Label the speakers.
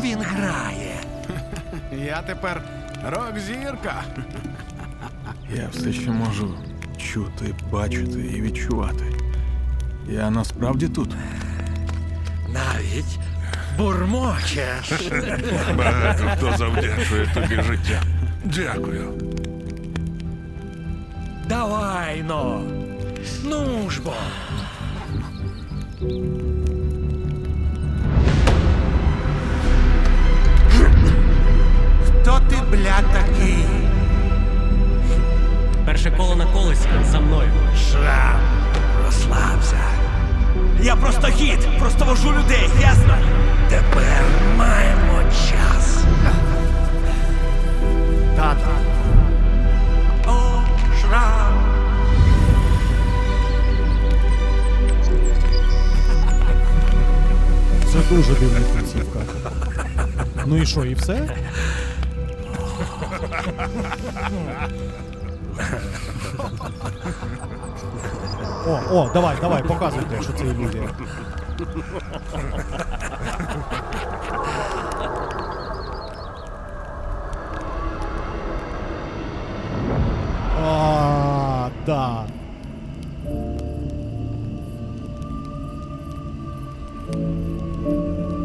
Speaker 1: він грає.
Speaker 2: Я тепер рок-зірка.
Speaker 3: Я все ще можу чути, бачити і відчувати. Я насправді тут.
Speaker 1: Навіть бурмочеш.
Speaker 4: Багато хто завдячує тобі життя. Дякую.
Speaker 1: Давай, но. Ну ж бо.
Speaker 2: Хто ти, бля, такий?
Speaker 5: Перше коло на колесі за мною.
Speaker 1: Шрам, розслабся. Я просто гід, просто вожу людей, ясно? Тепер маємо час.
Speaker 2: Тато.
Speaker 1: О, шрам.
Speaker 6: Це дуже дивна кінцівка. Ну і що, і все? О, давай, показуйте, що це ілюзія. Да.